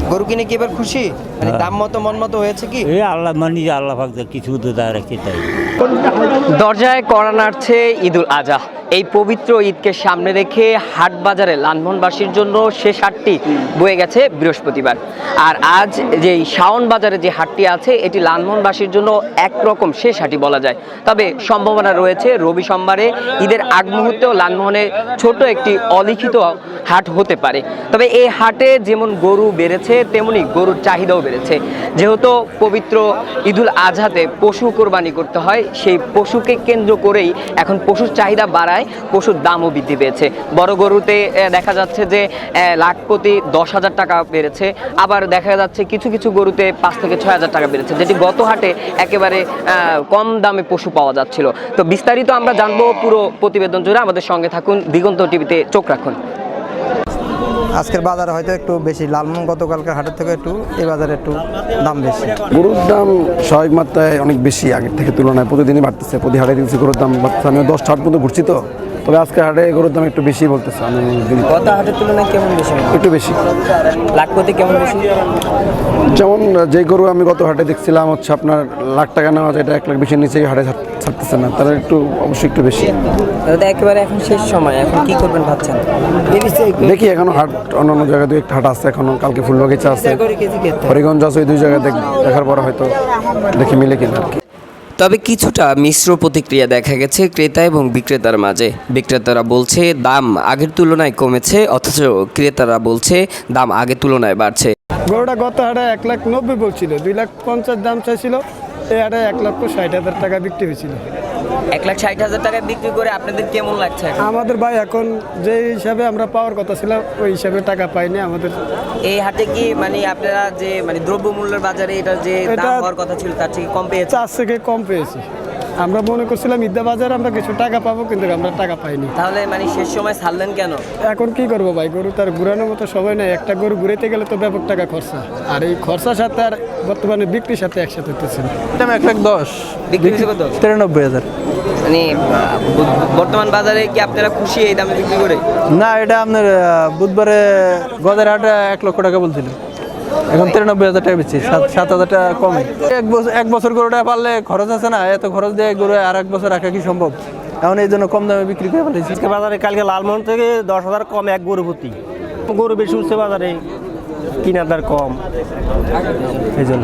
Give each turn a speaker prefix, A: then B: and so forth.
A: গরু কিনে কি এবার খুশি, মানে দাম মতো মন মতো হয়েছে কি?
B: এই আল্লাহ মানি যে আল্লাহ পাক কিছু তো তার রাখতে তাই।
C: দরজায় কড়া নাড়ছে ঈদুল আজহা। এই পবিত্র ঈদকে সামনে রেখে হাট বাজারে লালমোহনবাসীর জন্য শেষ হাটটি বয়ে গেছে বৃহস্পতিবার। আর আজ যে শাওন বাজারে যে হাটটি আছে এটি লালমোহনবাসীর জন্য একরকম শেষ হাটই বলা যায়। তবে সম্ভাবনা রয়েছে রবি সোমবারে ঈদের আগ মুহূর্তেও লালমোহনে ছোট একটি অলিখিত হাট হতে পারে। তবে এই হাটে যেমন গরু বেড়েছে তেমনি গরুর চাহিদাও বেড়েছে। যেহেতু পবিত্র ঈদুল আজহাতে পশু কোরবানি করতে হয়, সেই পশুকে কেন্দ্র করেই এখন পশুর চাহিদা বাড়ায়, পশুর দামও বৃদ্ধি পেয়েছে। বড় গরুতে দেখা যাচ্ছে যে লাখ প্রতি 10,000 টাকা বেড়েছে, আবার দেখা যাচ্ছে কিছু কিছু গরুতে 5 থেকে 6,000 টাকা বেড়েছে, যেটি গত হাটে একেবারে কম দামে পশু পাওয়া যাচ্ছিল। তো বিস্তারিত আমরা জানবো পুরো প্রতিবেদন জুড়ে, আমাদের সঙ্গে থাকুন, দিগন্ত টিভিতে চোখ রাখুন।
D: আজকের বাজারে হয়তো একটু বেশি, লালমোহন গতকালকার হাটের থেকে একটু এই বাজারে একটু দাম বেশি।
E: গরুর দাম স্বাভাবিক মাত্রায় অনেক বেশি আগের থেকে তুলনায়, প্রতিদিনই বাড়তেছে। প্রতি হাটে দিচ্ছি গরুর দাম বাড়তেছে। আমি 10টা হাট পর্যন্ত ঘুরছি, তো তবে আজকে হাটে গরুর দাম একটু বেশি বলতেছে। আমি
A: গত হাটের তুলনায় কেমন বেশি?
E: একটু বেশি।
A: লাখ প্রতি কেমন বেশি?
E: যেমন যে গরু আমি গত হাটে দেখছিলাম হচ্ছে আপনার লাখ টাকা নেওয়া যায়, এটা 1 লাখ বেশির নিচে হাটে ছাড়তেছে না, তাহলে একটু অবশ্যই একটু বেশি।
A: দাদা একেবারে এখন শেষ সময়, এখন কি করবেন ভাবছেন?
E: দেখি এখনো হাট অন্যান্য জায়গায় 2-1টা হাট আছে এখনো, কালকে ফুলবাগিচা আছে, হরিগঞ্জ আছে, ওই 2 জায়গায় দেখার পর হয়তো দেখি মিলে কিনা আর কি।
C: তবে কিছুটা মিশ্র প্রতিক্রিয়া দেখা গেছে ক্রেতা এবং বিক্রেতার মাঝে। বিক্রেতারা বলছে দাম আগের তুলনায় কমেছে, অথচ ক্রেতারা বলছে দাম আগের তুলনায় বাড়ছে।
F: গরুটা গত হাটে 1,90,000 বলছিল, 2,50,000 দাম চাইছিল, এই হাটে 1,60,000 টাকা বিক্রি হয়েছিল।
C: 1,60,000 টাকায় বিক্রি করে আপনাদের কেমন লাগছে?
F: আমাদের ভাই এখন যে হিসাবে আমরা পাওয়ার কথা ছিল ওই হিসাবে টাকা পাইনি আমাদের।
C: এই হাটে কি মানে আপনারা যে মানে দ্রব্যমূল্যের বাজারে এটা যে দাম হওয়ার কথা ছিল তার থেকে কম পেয়েছে?
F: 4 থেকে কম পেয়েছি। আমরা মনে করছিলাম ঈদা বাজারে আমরা কিছু টাকা পাবো, কিন্তু আমরা টাকা পাইনি।
C: তাহলে মানে শেষ সময় ছাড়লেন কেন?
F: এখন কি করবো ভাই, গরু তার ঘুরানোর মতো সময় নেই। একটা গরু ঘুরাইতে গেলে তো ব্যাপক টাকা খরচা, আর এই খরচার সাথে আর বর্তমানে বিক্রির সাথে একসাথে হতেছে।
D: দাম 1,10,000,
C: বিক্রি হয়েছে কত?
D: 93,000।
C: মানে বর্তমান বাজারে কি আপনারা খুশি এই দামে বিক্রি করে?
D: না, এটা আপনার বুধবারে গদের হাটে 1 লক্ষ টাকা বলছিল, এখন 93,000 টাকা বেশি, 7,000 টাকা কমে। এক বছর গরুটা পারলে খরচ আছে না, এত খরচ দিয়ে গরু আর 1 বছর রাখা কি সম্ভব? এখন এই জন্য কম দামে বিক্রি করে ফেলেছি।
G: বাজারে কালকে লালমোহন থেকে 10,000 কম এক গরু প্রতি। গরু বেশি উঠছে বাজারে, কিনার দার কম, এই জন্য।